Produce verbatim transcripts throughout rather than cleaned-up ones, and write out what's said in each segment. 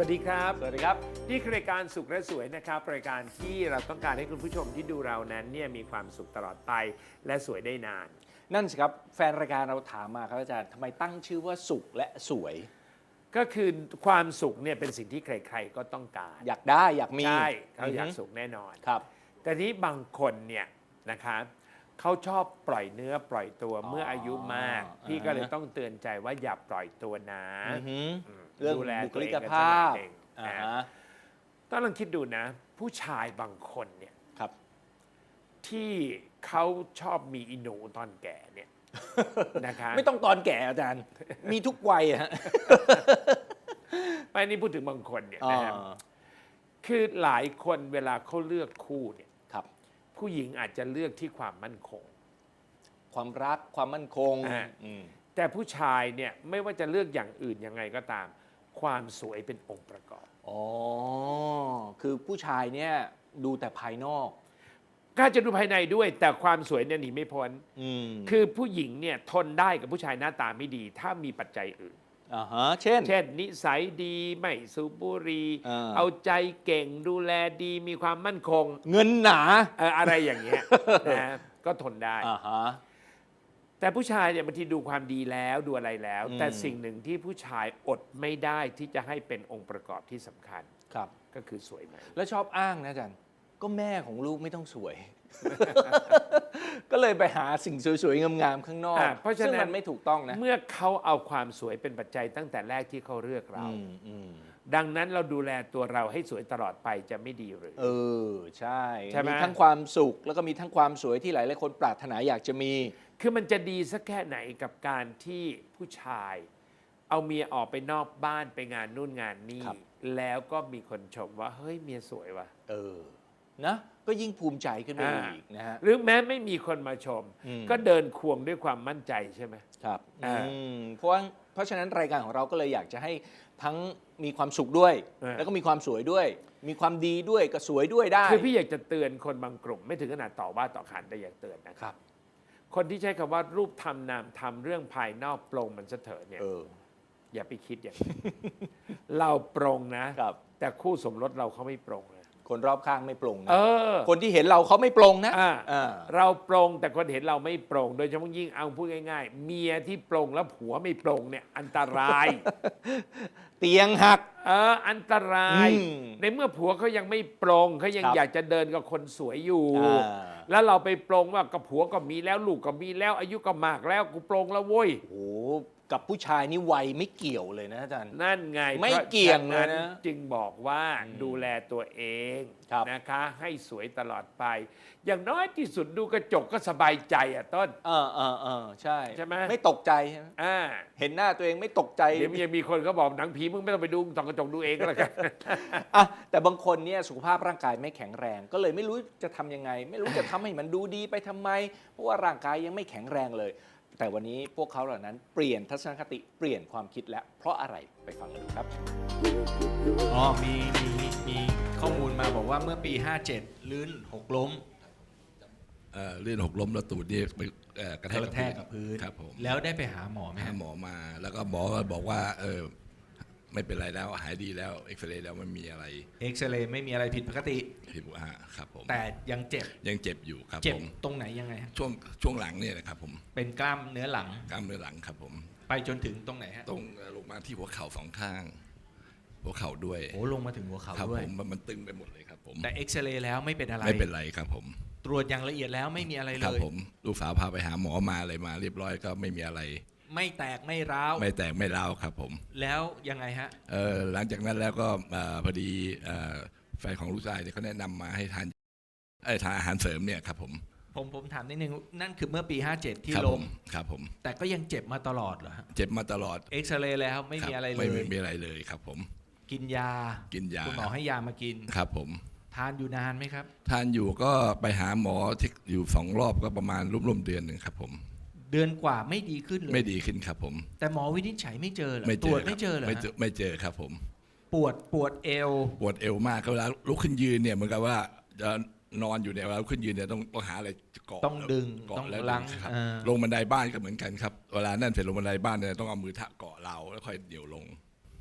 วัสดีครับสวัสดีครับนี่คือรายการสุขและสวยนะครับรายการที่เราต้องการให้คุณผู้ชมที่ดูเรานั้นเนี่ยมีความสุขตลอดไปและสวยได้นานนั่นสิครับแฟนรายการเราถามมาครับอาจารย์ทำไมตั้งชื่อว่าสุขและสวยก็คือความสุขเนี่ยเป็นสิ่งที่ใครๆก็ต้องการอยากได้อยากมีใช่เขาอยากฮึสุขแน่นอนครับแต่นี้บางคนเนี่ยนะคะเขาชอบปล่อยเนื้อปล่อยตัวอ๋อเมื่ออายุมากอ่าพี่ก็เลยต้องเตือนใจว่าอย่าปล่อยตัวนะอือฮึอืมเรื่องดูแลบุคตัวลิเองกกันภาพสักหน่อยหนึ่งอ่านะฮะต้องลองคิดดูนะ ผู้ชายบางคนเนี่ยครับที่เขาชอบมีอิหนูตอนแก่เนี่ย นะคะไม่ต้องตอนแก่อาจารย์ มีทุกวัยอะฮะไม่นี่พูดถึงบางคนเนี่ยอ่านะครับคือหลายคนเวลาเขาเลือกคู่เนี่ยครับผู้หญิงอาจจะเลือกที่ความมั่นคงความรักความมั่นคงอ่าอืมแต่ผู้ชายเนี่ยไม่ว่าจะเลือกอย่างอื่นยังไงก็ตาม ความสวยเป็นองค์ประกอบอ๋อคือผู้ชายเนี่ยดูแต่ภายนอกก็จะดูภายในด้วย แต่ความสวยเนี่ยหนีไม่พ้นอืมคือผู้หญิงเนี่ยทนได้กับผู้ชายหน้าตาไม่ดี ถ้ามีปัจจัยอื่นอ่าฮะเช่นเช่น นิสัยดีไม่สูบบุหรี่อ่าเอาใจเก่งดูแลดีมีความมั่นคงเงินหนาเอ่ออะไรอย่างเงี้ย นะก็ทนได้อ่าฮะแต่ผู้ชายเนี่ยบางทีดูความดีแล้วดูอะไรแล้วอืมแต่สิ่งหนึ่งที่ผู้ชายอดไม่ได้ที่จะให้เป็นองค์ประกอบที่สำคัญครับก็คือสวยไหมแล้วชอบอ้างนะอาจารย์ก็แม่ของลูกไม่ต้องสวย ก็เลยไปหาสิ่งสวยๆงามๆข้างนอกอ่าเพราะฉะนั้นซึ่งมันไม่ถูกต้องนะเมื่อเขาเอาความสวยเป็นปัจจัยตั้งแต่แรกที่เขาเลือกเราอืมอืมดังนั้นเราดูแลตัวเราให้สวยตลอดไปจะไม่ดีหรือเออใช่ใช่ไหมมีทั้งความสุขแล้วก็มีทั้งความสวยที่หลายๆคนปรารถนาอยากจะมีคือมันจะดีสักแค่ไหนกับการที่ผู้ชาย เอาเมียออกไปนอกบ้านไปงานนู่นงานนี่ครับแล้วก็มีคนชมว่าเฮ้ยเมียสวยว่ะเออนะก็ยิ่งภูมิใจขึ้นไปอ่าอีกนะฮะหรือแม้ไม่มีคนมาชมอืมก็เดินควงด้วยความมั่นใจใช่ไหมครับอ่าอืมเพราะว่าเพราะฉะนั้นรายการของเราก็เลยอยากจะให้ทั้งมีความสุขด้วย แล้วก็มีความสวยด้วย มีความดีด้วยก็สวยด้วยได้คือพี่อยากจะเตือนคนบางกลุ่ม ไม่ถึงขนาดต่อว่าต่อขานแต่อยากเตือนนะคครับ รับคนที่ใช้คำว่ารูปทำนามทำเรื่องภายนอกปรงมันซะเถอะเนี่ยเอออย่าไปคิดอย่างนั้น เราปรงนะครับแต่คู่สมรสเราเขาไม่ปรงนะคนรอบข้างไม่ปรงนะเออคนที่เห็นเราเขาไม่ปรงนะอ่าอ่าเราปรงแต่คนเห็นเราไม่ปรงโดยเฉพาะยิ่งเอาพูดง่ายๆ เมียที่ปรงแล้วผัวไม่ปรงเนี่ยอันตรายเตียงหักเอออันตรายอืมในเมื่อผัวเขายังไม่ปรงเขายังครับอยากจะเดินกับคนสวยอยู่อ่าแล้วเราไปปรงว่ากับผัวก็มีแล้วลูกก็มีแล้ว อายุก็มากแล้วกูปรงแล้วเว้ยโอ้โหกับผู้ชายนี่วัยไม่เกี่ยวเลยนะอาจารย์นั่นไงไม่พราะเกี่ยงเลยนะฉนั้นจึงบอกว่าอืมดูแลตัวเองครับนะคะ ให้สวยตลอดไป อย่างน้อยที่สุดดูกระจกก็สบายใจอ่ะต้นเออเออเออใช่ใช่ไหมไม่ตกใจใช่ไหมอ่าเห็นหน้าตัวเองไม่ตกใจเดี๋ยวยังมีคนเขาบอกหนังผีมึงไม่ต้องไปดูส่องกระจกดูเองก็แล้วกันอ่ะแต่บางคนเนี่ยสุขภาพร่างกายไม่แข็งแรง ก็เลยไม่รู้จะทำยังไง ไม่รู้จะทำให้มันดูดีไปทำไม เพราะว่าร่างกายยังไม่แข็งแรงเลย แต่วันนี้พวกเขาเหล่านั้นเปลี่ยนทัศนคติเปลี่ยนความคิดแล้วเพราะอะไรไปฟังกันดูครับอ๋อมีมีมีข้อมูลมาบอกว่าเมื่อปี ห้าเจ็ด ลื่นหกล้มเอ่อลื่นหกล้มแล้วตูดนี่ไปเอ่อกระแทกกระแทกกับพื้นครับผมแล้วได้ไปหาหมอไหมหาฮะหมอมา แล้วก็หมอก็บอกว่าเออไม่เป็นไรแล้วหายดีแล้วเอ็กซเรย์แล้วไม่มีอะไรเอ็กซเรย์ไม่มีอะไรผิดปกติผิดปกติครับผมแต่ยังเจ็บยังเจ็บอยู่ครับเจ็บผมตรงไหนยังไงฮะช่วงช่วงหลังเนี่ยนะครับผมเป็นกล้ามเนื้อหลังกล้ามเนื้อหลังครับผมไปจนถึงตรงไหนฮะตรงเอ่อลงมาที่หัวเข่าสองข้าง หัวเข่าด้วยโอ้ลงมาถึงหัวเข่าครับด้วผยมมันมันตึงไปหมดเลยครับผมแต่เอ็กซเรย์แล้วไม่เป็นอะไรไม่เป็นไรครับผมตรวจอย่างละเอียดแล้วไม่มีอะไรคเลรับยผมลูกสาวพาไปหาหมอมาอะไรมา เรียบร้อยก็ไม่มีอะไรไม่แตกไม่ร้าวไม่แตกไม่ร้าวครับผมแล้วยังไงฮะเอ่อหลังจากนั้นแล้วก็เอ่อพอดีเอ่อแฟนของลูกชายเนี่ยเขาแนะนำมาให้ทานเอ้ยทานอาหารเสริมเนี่ยครับผมผมผมถามนิดนึงนั่นคือเมื่อปี ห้าเจ็ด ที่ครับลผมมครับผมแต่ก็ยังเจ็บมาตลอดเหรอฮะเจ็บมาตลอดเอ็กซเรย์แล้วไม่มีคบอะไรเลไม่ยมีอะไรเลยครับผมกินยากินยาคุณหมอให้ยามากินครับผมทานอยู่นานไหมครับทานอยู่ก็ไปหาหมอที่อยู่สองรอบก็ประมาณร่วมๆเดือนหนึ่งครับผมเดือนกว่าไม่ดีขึ้นเลยไม่ดีขึ้นครับผมแต่หมอวินิจฉัยไม่เจอเหรอไม่ตเจรอวจไม่เจอเหรอไม่ฮะเจอไม่เจอครับผมปวดปวดเอวปวดเอวมากเวลาลุกขึ้นยืนเนี่ยเหมือนกับว่าจะนอนอยู่เนี่ยเวลาลุกขึ้นยืนเนี่ยต้องต้องหาอะไรเกาะต้องดึงเกาะต้องแล้วลังครับเออลงบันไดบ้านก็เหมือนกันครับเวลานั่นเสร็จลงบันไดบ้านเนี่ยต้องเอามือทะเกาะเราแล้วค่อยเดี่ยวลง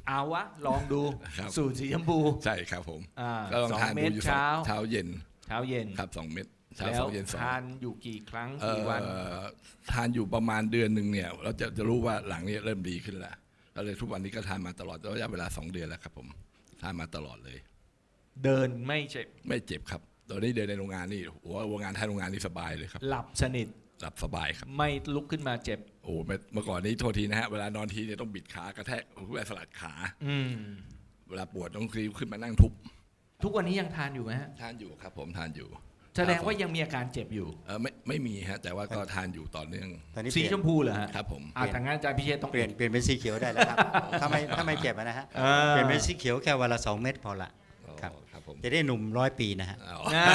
เอาวะ ลองดูครับสูตรสีชมพูใช่ครับผมอ่าก็ลองสองทานเม็ดูดอยู่สองเช้าเช้าเย็นเช้าเย็นครับสองเม็ดเช้าแล้สวองเย็นสองทานอยู่กี่ครั้งเอ่กี่วันอทานอยู่ประมาณเดือนหนึ่งเนี่ยเราจะจะรู้ว่าหลังเนี้เริ่มดีขึ้นแล้วแล้วเลยทุกวันนี้ก็ทานมาตลอดระยะเวลาสองเดือนแล้วครับผมทานมาตลอดเลยเดินไม่เจ็บไม่เจ็บครับตอนนี้เดินในโรงงานนี่หัวโรงงานทานโรงงานนี่สบายเลยครับหลับสนิทหลับสบายครับไม่ลุกขึ้นมาเจ็บโอ้ไม่เมื่อก่อนนี้โทษทีนะฮะเวลานอนทีเนี่ยต้องบิดขากระแทกเพื่อสลัดขาอืมเวลาปวดต้องคลีขึ้นมานั่งทุบทุกวันนี้ยังทานอยู่ไหมฮะทานอยู่ครับผมทานอยู่แสดงว่ายังมีอาการเจ็บอยู่เออไม่ไม่มีฮะแต่ว่าก็ทานอยู่ต่อเนื่องตอนนี้สีเปลี่ยชนมพูเหรอฮะครับผมอ่าทางงานอาจารย์พิเชษต้องเปลี่ยนเปลี่ยนเป็นสีเขียวได้แล้วครับ ถ้าไม่ถ้าไม่เจ็บอะนะฮะอ่าเปลี่ยนเป็นสีเขียวแค่วันละสองเม็ดพอละ ครับอ๋อครับผมจะได้หนุ่มร้อยปีนะฮะอ๋ออ่า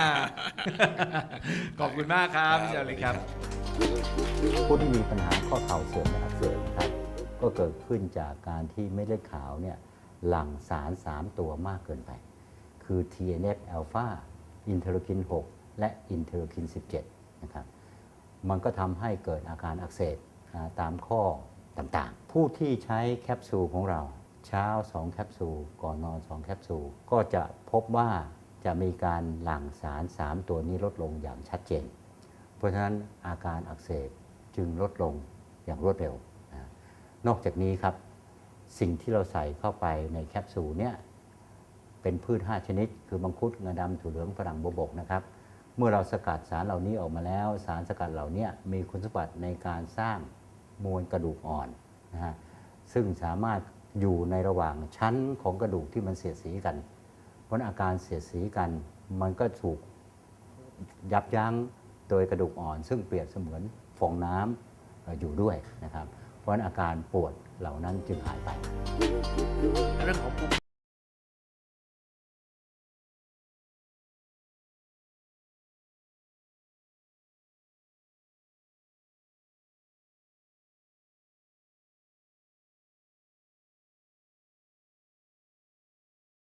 ขอบคุณมากครับพี่เจ้าเลยครับผู้ที่มีปัญหาข้อเข่าเสื่อมและอักเสบนะครับก็เกิดขึ้นจากการที่เม็ดเลือดขาวเนี่ยหลั่งสาร สาม ตัวมากเกินไป คือ ที เอ็น เอฟ อลฟา อินเทอร์คิน หก และอินเทอร์คิน สิบเจ็ด นะครับมันก็ทำให้เกิดอาการอักเสบอ่าตามข้อต่างๆ ผู้ที่ใช้แคปซูลของเราเช้า สอง แคปซูล ก่อนนอน สอง แคปซูล ก็จะพบว่าจะมีการหลั่งสาร สาม ตัวนี้ลดลงอย่างชัดเจน เพราะฉะนั้นอาการอักเสบจึงลดลงอย่างรวดเร็วนะนอกจากนี้ครับสิ่งที่เราใส่เข้าไปในแคปซูลเนี่ยเป็นพืช ห้า ชนิด คือมังคุดงาดำถั่วเหลืองฝรั่งบวบกนะครับเมื่อเราสกัดสารเหล่านี้ออกมาแล้วสารสกัดเหล่านี้มีคุณสมบัติในการสร้างมวลกระดูกอ่อนนะฮะซึ่งสามารถอยู่ในระหว่างชั้นของกระดูกที่มันเสียดสีกัน เพราะอาการเสียดสีกันมันก็ถูกยับยั้งโดยกระดูกอ่อน ซึ่งเปรียบเสมือนฟองน้ำอยู่ด้วยนะครับเพราะฉะนั้นอาการปวดเหล่านั้นจึงหายไปเรื่องของภูมิ